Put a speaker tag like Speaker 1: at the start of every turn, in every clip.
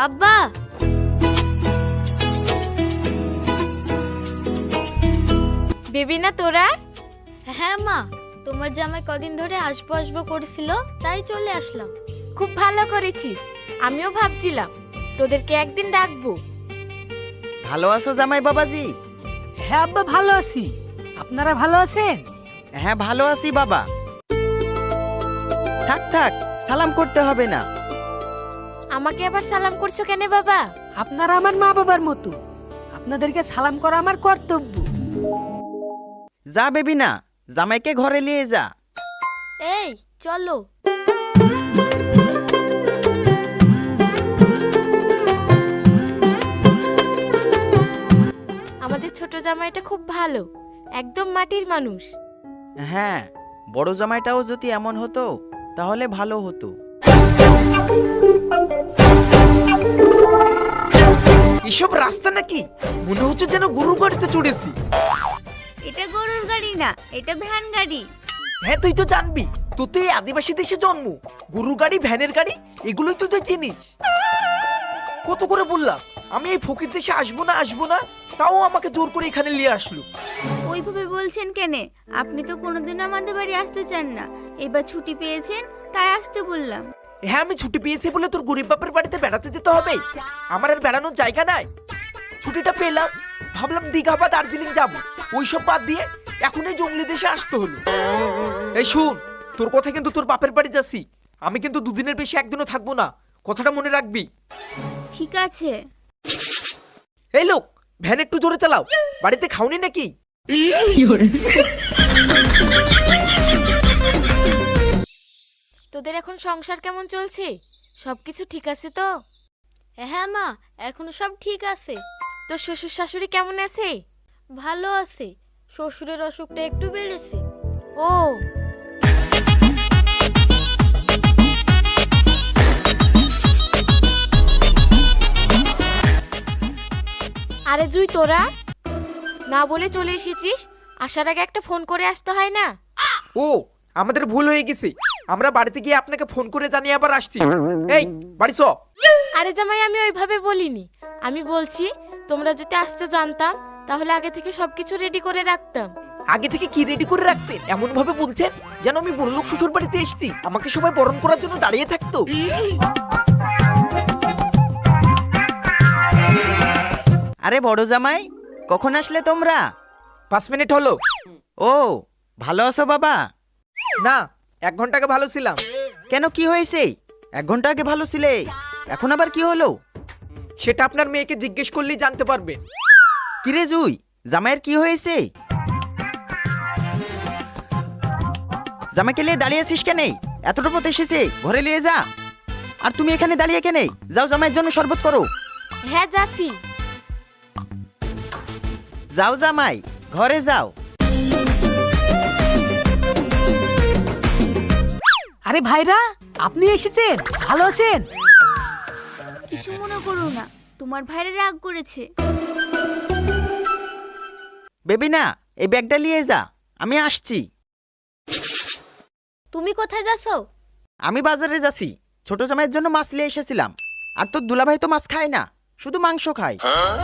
Speaker 1: আব্বা,
Speaker 2: বেবি না তোরা?
Speaker 1: হ্যাঁ মা, তোমার জামাই কদিন ধরে আসবো আসবো করেছিল, তাই চলে আসলাম।
Speaker 2: খুব ভালো করেছিস। আমিও ভাবছিলাম তোদেরকে একদিন ডাকবো।
Speaker 3: ভালো আছো জামাই বাবাজি?
Speaker 4: হ্যাঁ আব্বা, ভালো আছি। আপনারা ভালো আছেন?
Speaker 3: হ্যাঁ ভালো আছি বাবা। থাক থাক, সালাম করতে হবে না।
Speaker 2: আমাকে আবার সালাম করছো কেন বাবা?
Speaker 4: আপনারা আমার মা বাবার মতো, আপনাদেরকে সালাম করা আমার কর্তব্য।
Speaker 3: যা বেবি না, জামাইকে ঘরে নিয়ে যা।
Speaker 1: এই চলো।
Speaker 2: আমাদের ছোট জামাইটা খুব ভালো, একদম মাটির মানুষ।
Speaker 3: হ্যাঁ, বড় জামাইটাও যদি এমন হতো তাহলে ভালো হতো।
Speaker 5: এসব রাস্তা নাকি? মনে হচ্ছে যেন গরুর গাড়িতে চড়েছি।
Speaker 6: এটা গরুর গাড়ি না, এটা ভ্যান গাড়ি।
Speaker 5: হ্যাঁ তুই তো জানবি, তোর তো এই আদিবাসী দেশে জন্ম। গরুর গাড়ি, ভ্যানের গাড়ি এগুলোই তো তুই চিনিস। কত করে বললাম আমি এই ফকির দেশে আসবো না, তাও আমাকে জোর করে এখানে নিয়ে আসলো।
Speaker 6: ওইভাবে বলছেন কেন? আপনি তো কোনোদিনও আমাদের বাড়ি আসতে চান না, এবার ছুটি পেয়েছেন তাই আসতে বললাম।
Speaker 5: হ্যাঁ আমি ছুটি পেয়েছি বলে তোর গরিব বাপের বাড়িতে বেড়াতে যেতে হবে? আমার আর বেড়ানোর জায়গা নাই। ছুটিটা পেলাম, ভাবলাম দীঘা বা দার্জিলিং যাবো, ওইসব বাদ দিয়ে এখন এই জঙ্গলি দেশে আসতে হলো। এই শুন, তোর কথা কিন্তু তোর বাপের বাড়ি যাচ্ছি, আমি কিন্তু দুদিনের বেশি একদিনও থাকবো না, কথাটা মনে রাখবি।
Speaker 6: ঠিক আছে।
Speaker 5: এই লোক, ভ্যান একটু জোরে চালাও, বাড়িতে খাওনি নাকি?
Speaker 2: তোদের এখন সংসার কেমন চলছে? সবকিছু ঠিক আছে তো?
Speaker 1: হ্যাঁ মা, এখন সব ঠিক আছে।
Speaker 2: তোর শ্বশুর শাশুড়ি কেমন আছে?
Speaker 1: ভালো আছে, শ্বশুরের অসুখটা একটু বেড়েছে।
Speaker 2: ও, আরে জুই, তোরা না বলে চলে এসেছিস। আসার আগে একটা ফোন করে আসতে হয় না?
Speaker 5: ও, আমাদের ভুল হয়ে গেছে, আমরা বাড়িতে গিয়ে আপনাকে ফোন করে জানিয়ে আবার আসছি। এই বাড়ি চ।
Speaker 2: আরে জামাই, আমি ওইভাবে বলিনি। আমি বলছি তোমরা যদি আসতে জানতাম তাহলে আগে থেকে সবকিছু রেডি করে রাখতাম।
Speaker 5: আগে থেকে কি রেডি করে রাখতেন? এমন ভাবে বলছেন যেন আমি বড়লোক শ্বশুর বাড়িতে এসেছি, আমাকে সবাই বরণ করার জন্য দাঁড়িয়ে থাকতো।
Speaker 3: আরে বড় জামাই, কখন আসলে তোমরা?
Speaker 5: 5 মিনিট হলো।
Speaker 3: ও, ভালো আছো বাবা?
Speaker 5: না, 1 ঘন্টা আগে ভালো ছিলাম।
Speaker 3: কেন, কি হয়েছে? 1 ঘন্টা আগে ভালো ছিলে, এখন আবার কি হলো?
Speaker 5: সেটা আপনার মেয়েকে জিজ্ঞেস করলেই জানতে পারবেন।
Speaker 3: কিরে জুই, জামাইয়ের কি হয়েছে? জামাইকে নিয়ে দাঁড়িয়ে আছিস কেন? এতটা পথ এসেছে, ঘরে নিয়ে যা। আর তুমি এখানে দাঁড়িয়ে কেন? যাও জামাইয়ের জন্য শরবত করো।
Speaker 2: হ্যাঁ যাচ্ছি।
Speaker 3: যাও জামাই, ঘরে যাও।
Speaker 4: আরে ভাইরা, আপনি এসেছেন, ভালো আছেন?
Speaker 6: কিছু মনে করো না, তোমার ভাইরা রাগ করেছে।
Speaker 3: বেবি না, এই ব্যাগটা নিয়ে যা, আমি আসছি।
Speaker 1: তুমি কোথায় যাচ্ছো?
Speaker 3: আমি বাজারে যাচ্ছি, ছোট জামাইয়ের জন্য মাছ নিয়ে এসেছিলাম। আর তোর দুলাভাই তো মাছ খায় না, শুধু মাংস খায়।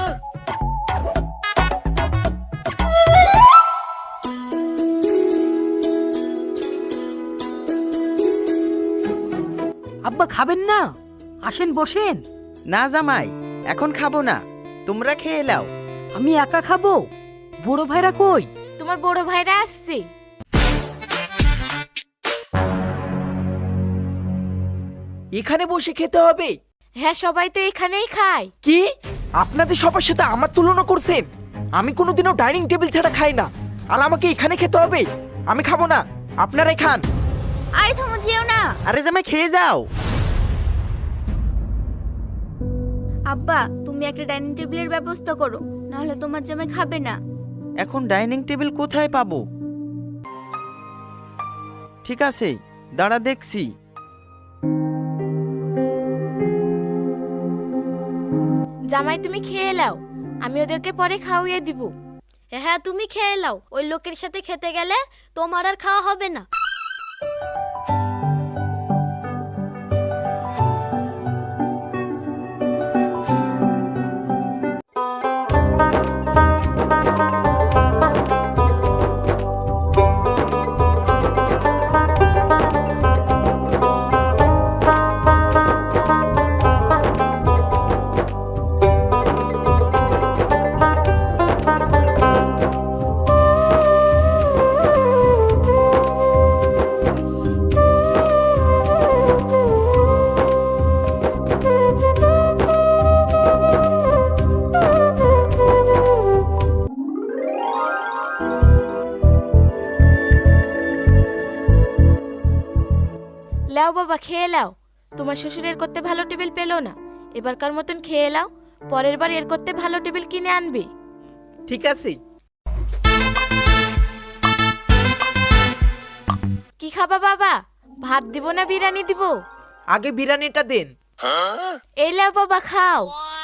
Speaker 4: আব্বা খাবেন না? আসেন বসেন।
Speaker 3: না জামাই, এখন খাবো না, তোমরা খেয়ে নাও।
Speaker 4: আমি একা খাবো? বড় ভাইরা কই?
Speaker 2: তোমার বড় ভাইরা আসছে।
Speaker 5: এখানে বসে খেতে হবে?
Speaker 2: হ্যাঁ, সবাই তো এখানেই খায়।
Speaker 5: কি আপনাদের সবার সাথে আমার তুলনা করছেন? আমি কোনোদিনও ডাইনিং টেবিল ছাড়া খাই না, আর আমাকে এখানে খেতে হবে? আমি খাবো না, আপনারাই খান।
Speaker 6: আরে থামো, যেও না।
Speaker 3: আরে জামাই খেয়ে যাও।
Speaker 6: আব্বা, তুমি একটা ডাইনিং টেবিলের ব্যবস্থা করো, নাহলে তোমার জামাই খাবে না।
Speaker 3: এখন ডাইনিং টেবিল কোথায় পাবো? ঠিক আছে, দাঁড়া দেখছি।
Speaker 2: জামাই তুমি খেয়ে নাও, আমি ওদেরকে পরে খাওয়িয়ে দিব।
Speaker 1: হ্যাঁ তুমি খেয়ে নাও, ওই লোকের সাথে খেতে গেলে তোমার আর খাওয়া হবে না।
Speaker 2: লাও বাবা খেয়ে লাও, তোমার শ্বশুর এর করতে ভালো টেবিল পেলো না, এবারকার মতন খেয়ে লাও, পরের বার এর করতে ভালো টেবিল কিনে আনবে।
Speaker 5: ঠিক আছে।
Speaker 2: কি খাবা বাবা, ভাত দিব না বিরিয়ানি দিব?
Speaker 5: আগে বিরিয়ানিটা দেন।
Speaker 2: এই লাও বাবা খাও।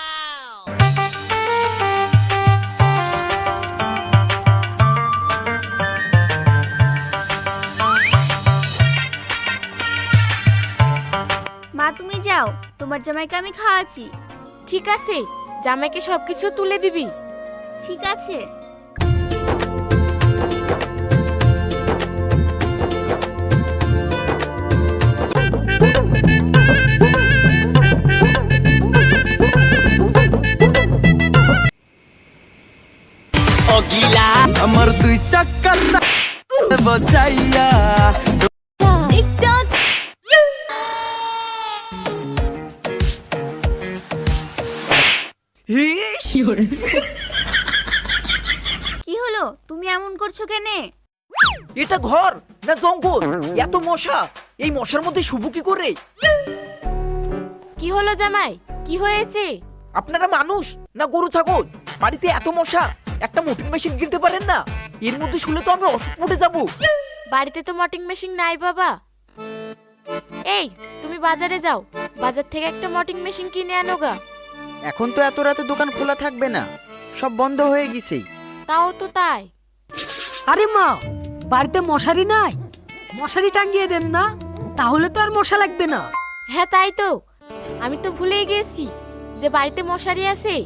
Speaker 6: মা তুমি যাও, তোমার জামাইকে আমি খাওয়াচ্ছি।
Speaker 2: ঠিক আছে, জামাইকে সবকিছু তুলে দিবি।
Speaker 6: ঠিক আছে।
Speaker 7: আমার দুই চাক্কা বসাইয়া
Speaker 5: হিস!
Speaker 6: কি হলো, তুমি এমন করছো কেনে?
Speaker 5: এটা ঘর না জঙ্গল? এত মশা, এই মশার মধ্যে শুভ কি করে?
Speaker 2: কি হলো জামাই, কি হয়েছে?
Speaker 5: আপনারা মানুষ না গরু ছাগল? বাড়িতে এত মশা, একটা মোটিং মেশিন কিনতে পারেন না? এর মধ্যে শুলে তো আমি অসুখ পড়ে যাবো।
Speaker 2: বাড়িতে তো মটিং মেশিন নাই বাবা। এই তুমি বাজারে যাও, বাজার থেকে একটা মটিং মেশিন কিনে আনো গা।
Speaker 3: এখন তো এত রাতে দোকান খোলা থাকবে না, সব বন্ধ হয়ে গেছে।
Speaker 2: তাও তো তাই।
Speaker 4: আরে মা, বাড়িতে মশারি নাই? মশারি টাঙ্গিয়ে দেন না, তাহলে তো আর মশা লাগবে না।
Speaker 2: হ্যাঁ তাই তো, আমি তো ভুলেই গেছি যে বাড়িতে মশারি আছে।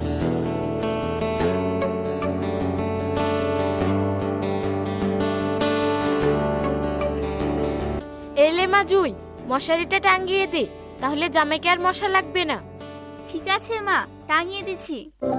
Speaker 2: এলে মা জুই, মশারিটা টাঙ্গিয়ে দে, তাহলে জামাইকে আর মশা লাগবে না।
Speaker 6: ঠিক আছে মা, টাঙিয়ে দিচ্ছি।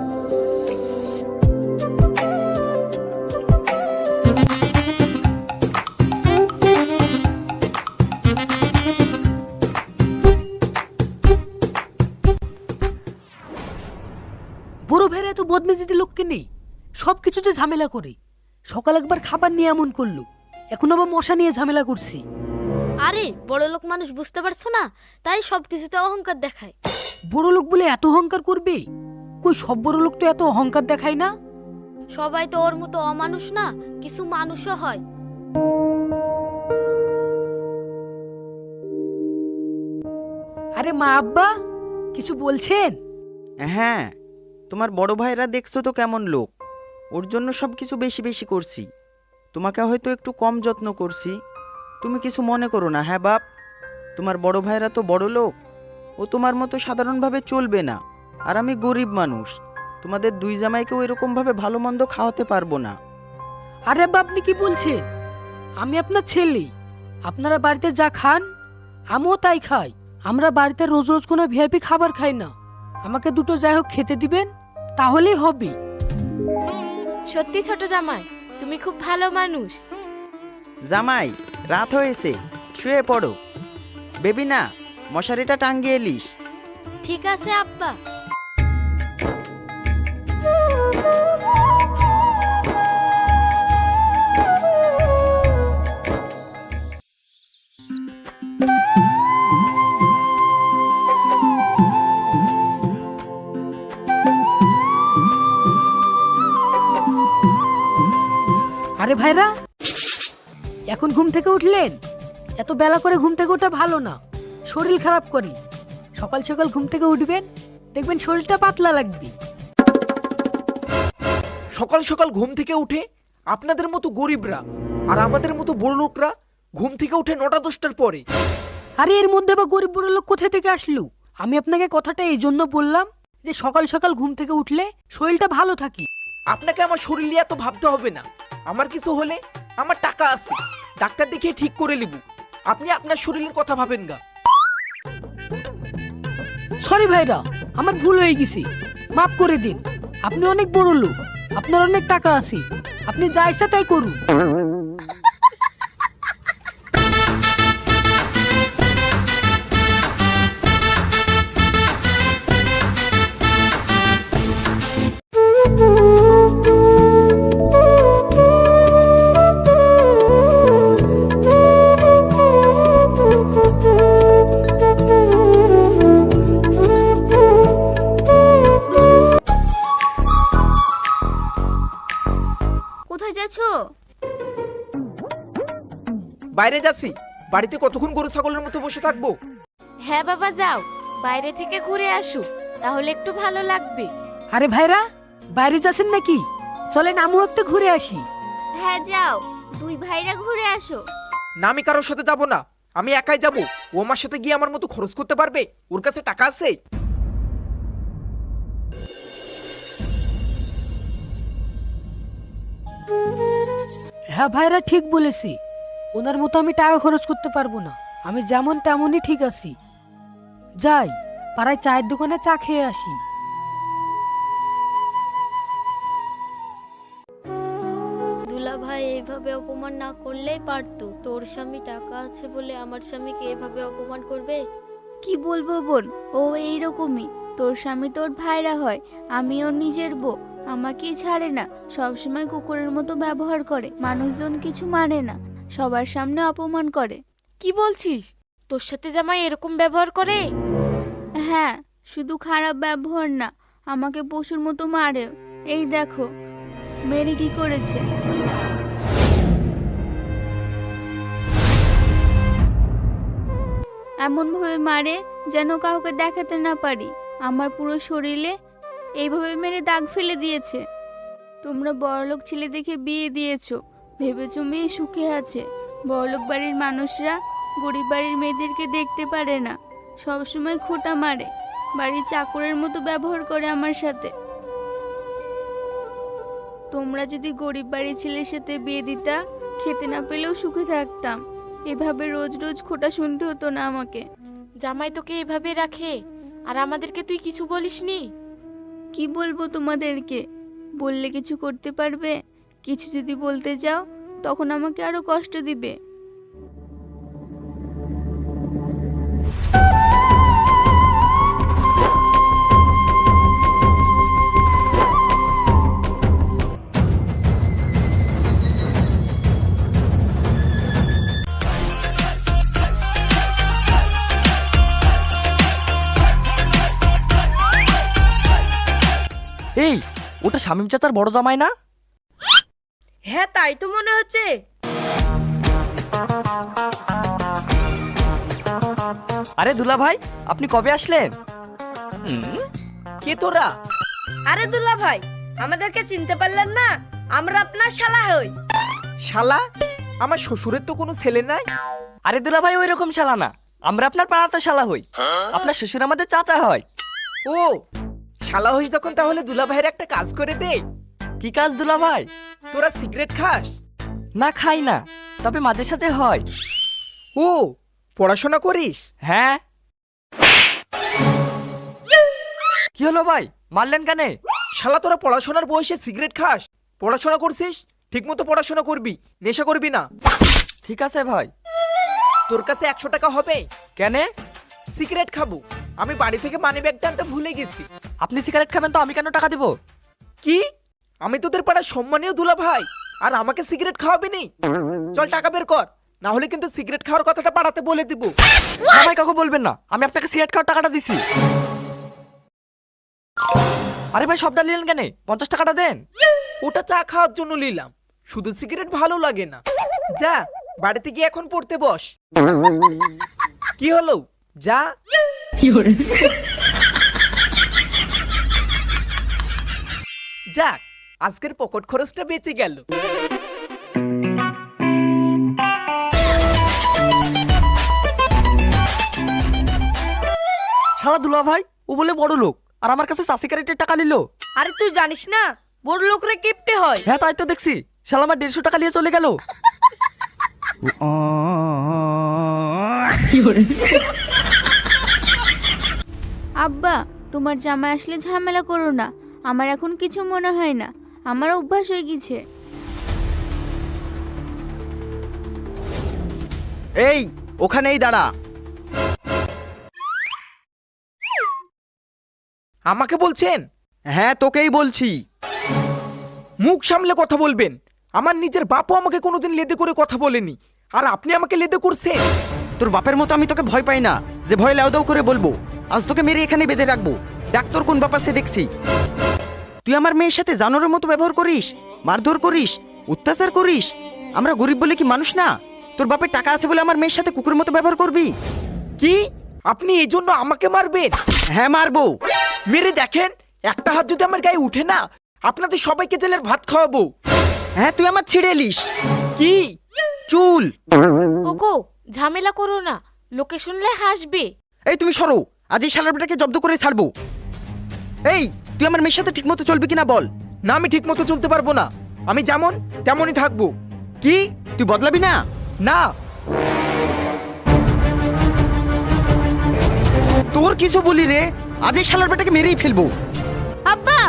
Speaker 4: বড় ভাইরা এত বদমেজাজি লোককে নেই, সবকিছুতে ঝামেলা করে। সকাল একবার খাবার নিয়ে এমন করলো, এখন আবার মশা নিয়ে ঝামেলা করছি।
Speaker 1: আরে বড় লোক মানুষ বুঝতে পারছো না, তাই সব কিছুতে অহংকার দেখায়।
Speaker 4: বড় লোক বলে এত অহংকার করবে? কই সব বড় লোক তো এত অহংকার দেখায় না।
Speaker 1: সবাই তো ওর মতো অমানুষ না, কিছু মানুষও হয়।
Speaker 4: আরে মা আব্বা কিছু বলছেন?
Speaker 3: হ্যাঁ, তোমার বড় ভাইরা দেখছো তো কেমন লোক, ওর জন্য সব কিছু বেশি বেশি করছি। তোমাকে হয়তো একটু কম যত্ন করছি, তুমি কিছু মনে করো না। হ্যাঁ বাপ, তোমার বড় ভাইরা তো বড় লোক, ও তোমার মতো সাধারণভাবে চলবে না। আর আমি গরিব মানুষ, তোমাদের দুই জামাইকেও এরকমভাবে ভালো মন্দ খাওয়াতে পারবো না।
Speaker 4: আরে আব্বা আপনি কি বলছেন? আমি আপনার ছেলে, আপনারা বাড়িতে যা খান আমিও তাই খাই। আমরা বাড়িতে রোজ রোজ কোনো ভিআইপি খাবার খাই না। আমাকে দুটো যাই হোক খেতে দিবেন, তাহলেই হবে।
Speaker 2: সত্যি ছোট জামাই, তুমি খুব ভালো মানুষ।
Speaker 3: জামাই, রাত হয়েছে, শুয়ে পড়ো। বেবি না, মশারিটা টাঙ্গিয়ে এলিস।
Speaker 1: ঠিক আছে আব্বা।
Speaker 4: আরে ভাইরা, এখন ঘুম থেকে উঠলেন? এত বেলা করে ঘুম থেকে ওঠা ভালো না, শরীর খারাপ করি। সকাল সকাল ঘুম থেকে উঠবেন, দেখবেন শরীরটা পাতলা লাগবে।
Speaker 5: সকাল সকাল ঘুম থেকে উঠে আপনাদের মতো গরিবরা আর আমাদের মতো বড় লোকরা ঘুম থেকে উঠে 9টা-10টার পরে।
Speaker 4: আরে এর মধ্যে বা গরিব বড় লোক কোথা থেকে আসলো? আমি আপনাকে কথাটা এই জন্য বললাম যে সকাল সকাল ঘুম থেকে উঠলে শরীরটা ভালো থাকে।
Speaker 5: আপনাকে আমার শরীর নিয়ে এত ভাবতে হবে না। আমার কিছু হলে আমার টাকা আছে, ডাক্তার দেখিয়ে ঠিক করে নিব। আপনি আপনার শরীরের কথা ভাবেন গা।
Speaker 4: সরি ভাইরা, আমার ভুল হয়ে গেছে, মাফ করে দিন। আপনি অনেক বড় লোক, আপনার অনেক টাকা আছে, আপনি যা ইচ্ছা তাই করুন।
Speaker 5: বাইরে যাচ্ছি, বাড়িতে কতক্ষণ গরু ছাগলের মতো বসে থাকবো?
Speaker 2: হ্যাঁ বাবা যাও, বাইরে থেকে ঘুরে আসো, তাহলে একটু ভালো লাগবে।
Speaker 4: আরে ভাইরা, বাইরে যাচ্ছেন নাকি? চলেন আমিও একটু ঘুরে আসি।
Speaker 6: হ্যাঁ যাও, দুই ভাইরা ঘুরে আসো।
Speaker 5: না, আমি কারোর সাথে যাব না, আমি একাই যাব। ও আমার সাথে গিয়ে আমার মতো খরচ করতে পারবে? ওর কাছে টাকা আছে?
Speaker 4: হ্যাঁ ভাইরা ঠিক বলেছি, ওনার মতো আমি টাকা খরচ করতে পারবো না। আমি যেমন তেমনই ঠিক আছি। যাই, পাড়ায় চায়ের দোকানে চা খেয়ে আসি।
Speaker 1: দুলা ভাই এইভাবে অপমান না করলেই পারতো। তোর স্বামী টাকা আছে বলে আমার স্বামীকে এভাবে অপমান করবে?
Speaker 6: কি বলবো বোন, ও এইরকমই। তোর স্বামী তোর ভাইরা হয়, আমি ওর নিজের বউ। আমাকেই ছাড়ে না, সবসময় কুকুরের মতো ব্যবহার করে, মানুষজন কিছু মানে না, সবার সামনে অপমান করে।
Speaker 2: কি বলছিস? তোর সাথে জামাই এরকম ব্যবহার করে?
Speaker 6: হ্যাঁ, শুধু খারাপ ব্যবহার না, আমাকে পশুর মতো মারে। এই দেখো মেরে কি করেছে। এমন ভাবে মারে যেন কাউকে দেখাতে না পারি। আমার পুরো শরীরে এইভাবে মেরে দাগ ফেলে দিয়েছে। তোমরা বড়লোক ছেলে দেখে বিয়ে দিয়েছো, ভেবেছো মেয়ে সুখে আছে। বড়লোক বাড়ির মানুষরা গরিব বাড়ির মেয়েদেরকে দেখতে পারে না, সবসময় খোঁটা মারে, বাড়ির চাকরের মতো ব্যবহার করে আমার সাথে। তোমরা যদি গরিব বাড়ির ছেলের সাথে বিয়ে দিতা, খেতে না পেলেও সুখে থাকতাম। এভাবে রোজ রোজ খোঁটা শুনতে হতো না আমাকে।
Speaker 2: জামাই তোকে এভাবে রাখে, আর আমাদেরকে তুই কিছু বলিসনি?
Speaker 6: কি বলবো তোমাদেরকে? বললে কিছু করতে পারবে? কিছু যদি বলতে যাও তখন আমাকে আরো কষ্ট দিবে।
Speaker 7: এই, ওটা শামীম চাচার বড় জামাই না?
Speaker 8: হ্যাঁ তাই তো মনে হচ্ছে।
Speaker 7: আরে দুলা ভাই, আপনি কবে আসলেন?
Speaker 5: কে তোরা?
Speaker 8: আরে দুল্লা ভাই, আমাদেরকে চিনতে পারলেন না? আমরা আপনার শালা হই।
Speaker 5: শালা? আমার শ্বশুরের তো কোনো ছেলে নাই।
Speaker 7: আরে দুলা ভাই, ওই রকম শালা না, আমরা আপনার পাড়াতে শালা হই। আপনার শ্বশুর আমাদের চাচা হয়।
Speaker 5: ও শালা হইস যখন, তাহলে দুলা ভাইয়ের একটা কাজ করে দে।
Speaker 7: কি কাজ দুলা ভাই?
Speaker 5: তোরা সিগারেট খাস?
Speaker 7: না, খাই না, তবে মাঝে সাঝে হয়।
Speaker 5: ও পড়াশোনা করিস?
Speaker 7: হ্যাঁ। কি হলো ভাই, মারলেন কেন?
Speaker 5: শালা তোরা পড়াশোনার বয়সে সিগারেট খাস? পড়াশোনা করছিস, ঠিক মতো পড়াশোনা করবি, নেশা করবি না।
Speaker 7: ঠিক আছে ভাই।
Speaker 5: তোর কাছে 100 টাকা হবে?
Speaker 7: কেন?
Speaker 5: সিগারেট খাবো। আমি বাড়ি থেকে মানি ব্যাগটা আনতে ভুলে গেছি।
Speaker 7: আপনি সিগারেট খাবেন তো আমি কেন টাকা দিব?
Speaker 5: কি? আমি তোদের পাড়ার সম্মানীয় দুলা ভাই, আর আমাকে সিগারেট খাওয়াবি নি? চল টাকা বের কর, না হলে কিন্তু সিগারেট খাওয়ার কথাটা পাড়াতে বলে দিব।
Speaker 7: না ভাই, কাউকে বলবেন না, আমি আপনাকে সিগারেট খাওয়ার টাকাটা দিছি। আরে ভাই, সবটা নিলেন কেন? 50 টাকাটা দেন।
Speaker 5: ওটা চা খাওয়ার জন্য নিলাম, শুধু সিগারেট ভালো লাগে না। যা বাড়িতে গিয়ে এখন পড়তে বস। কি হলো? যা। যাক, আজকের পকেট খরচটা বেঁচে গেল।
Speaker 7: শালা দুলা ভাই, ও বলে বড় লোক, আর আমার কাছে সিগারেটের টাকা নিল।
Speaker 8: আরে তুই জানিস না বড় লোকরা কিপটে হয়?
Speaker 7: হ্যাঁ তাই তো দেখছি, শালা আমার 150 টাকা নিয়ে চলে গেল।
Speaker 6: আব্বা, তোমার জামাই আসলে ঝামেলা করো না, আমার এখন কিছু মনে হয় না, আমার অভ্যাস হয়ে গেছে।
Speaker 3: এই, ওখানেই দাঁড়া।
Speaker 5: আমাকে বলছেন?
Speaker 3: হ্যাঁ, তোকেই বলছি।
Speaker 5: মুখ সামলে কথা বলবেন। আমার নিজের বাপও আমাকে কোনোদিন লেদে করে কথা বলেনি, আর আপনি আমাকে লেদে করছেন।
Speaker 3: তোর বাপের মতো আমি তোকে ভয় পাই না যে ভয় লাউদাউ করে বলবো। আজ তোকে মেরে এখানে বেঁধে রাখবো। দেখ তোর কোন বাপ আছে দেখছি। তুই আমার মেয়ের সাথে জানোয়ারের মতো ব্যবহার করিস, মারধর করিস, অত্যাচার করিস। আমরা গরিব বলে কি মানুষ না? তোর বাপের টাকা আছে বলে আমার মেয়ের সাথে কুকুরের মতো ব্যবহার করবি?
Speaker 5: কি আপনি এই জন্য আমাকে মারবেন?
Speaker 3: হ্যাঁ মারবো।
Speaker 5: মেরে দেখেন, একটা হাত যদি আমার গায়ে উঠে না, আপনাদের সবাইকে জেলের ভাত খাওয়াবো।
Speaker 3: হ্যাঁ তুই আমার ছিঁড়ে এলিস।
Speaker 5: কি?
Speaker 3: চুল।
Speaker 2: ওগো ঝামেলা করো না, লোকে শুনলে হাসবে।
Speaker 3: এই তুমি সরো, আজ এই শালারটাকে জব্দ করে ছাড়বো। এই তুই আমার মেয়ের সাথে ঠিক মতো চলবি কিনা বল।
Speaker 5: না, আমি ঠিক মতো চলতে পারবো না। আমি যেমন তেমনই থাকবো।
Speaker 3: কি তুই বদলাবি না?
Speaker 5: না।
Speaker 3: তোর কিছু বলি রে, আজ এই শালারটাকে মেরেই ফেলবো।
Speaker 6: আব্বা,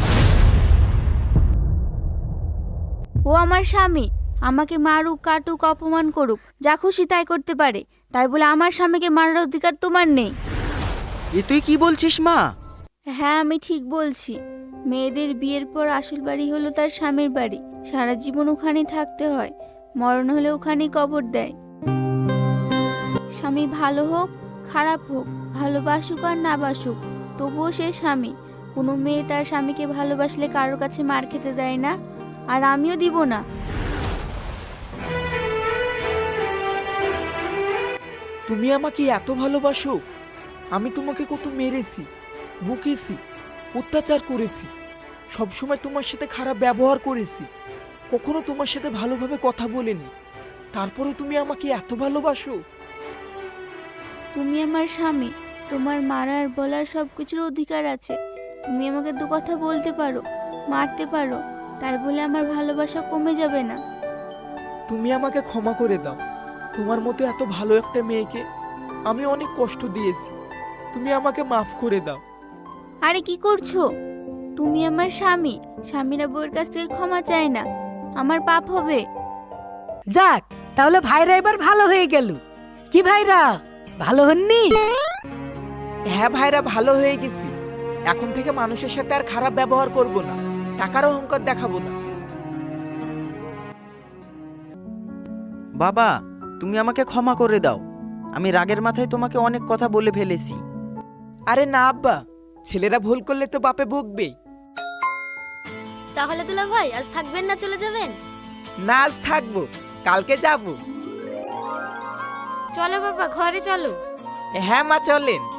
Speaker 6: ও আমার স্বামী, আমাকে মারুক, কাটুক, অপমান করুক, যা খুশি তাই করতে পারে। তাই বলে আমার স্বামীকে মারার অধিকার তোমার নেই।
Speaker 3: এ তুই কি বলছিস মা?
Speaker 6: হ্যাঁ, আমি ঠিক বলছি। মেয়েদের বিয়ের পর আসল বাড়ি হলো তার স্বামীর বাড়ি। সারা জীবন ওখানেই থাকতে হয়, মরণ হলে ওখানেই কবর দেয়। স্বামী ভালো হোক খারাপ হোক, ভালোবাসুক আর না বাসুক, তবুও সে স্বামী। কোনো মেয়ে তার স্বামীকে ভালোবাসলে কারোর কাছে মার খেতে দেয় না, আর আমিও দিব না।
Speaker 5: তুমি আমাকে এত ভালোবাসো? আমি তোমাকে কত মেরেছি, বকেছি, অত্যাচার করেছি, সবসময় তোমার সাথে খারাপ ব্যবহার করেছি, কখনো তোমার সাথে ভালোভাবে কথা বলিনি। তারপরে তুমি আমাকে এত ভালোবাসো?
Speaker 6: তুমি আমার স্বামী, তোমার মারার বলার সব কিছুর অধিকার আছে। তুমি আমাকে দু কথা বলতে পারো, মারতে পারো, তাই বলে আমার ভালোবাসা কমে যাবে না।
Speaker 5: তুমি আমাকে ক্ষমা করে দাও। তোমার মতো এত ভালো একটা মেয়েকে আমি অনেক কষ্ট দিয়েছি। তুমি আমাকে মাফ করে দাও।
Speaker 6: আরে কি করছো? তুমি আমার স্বামী, স্বামীরা বউয়ের কাছ থেকে ক্ষমা চায় না, আমার পাপ হবে।
Speaker 4: যাক, তাহলে ভাইরা এবার ভালো হয়ে গেল। কি ভাইরা, ভালো হননি?
Speaker 5: হ্যাঁ ভাইরা, ভালো হয়ে গেছি। এখন থেকে মানুষের সাথে আর খারাপ ব্যবহার করব না, টাকার অহংকার দেখাবো না।
Speaker 3: বাবা তুমি আমাকে ক্ষমা করে দাও, আমি রাগের মাথায় তোমাকে অনেক কথা বলে ফেলেছি।
Speaker 5: আরে না আব্বা, ছেলেরা ভুল করলে তো বাপে বকবেই।
Speaker 1: তাহলে দুলা ভাই আজ থাকবেন না চলে যাবেন?
Speaker 5: না, আজ থাকবো, কালকে যাব।
Speaker 2: চলো বাবা, ঘরে চলো।
Speaker 5: হ্যাঁ মা, চলেন।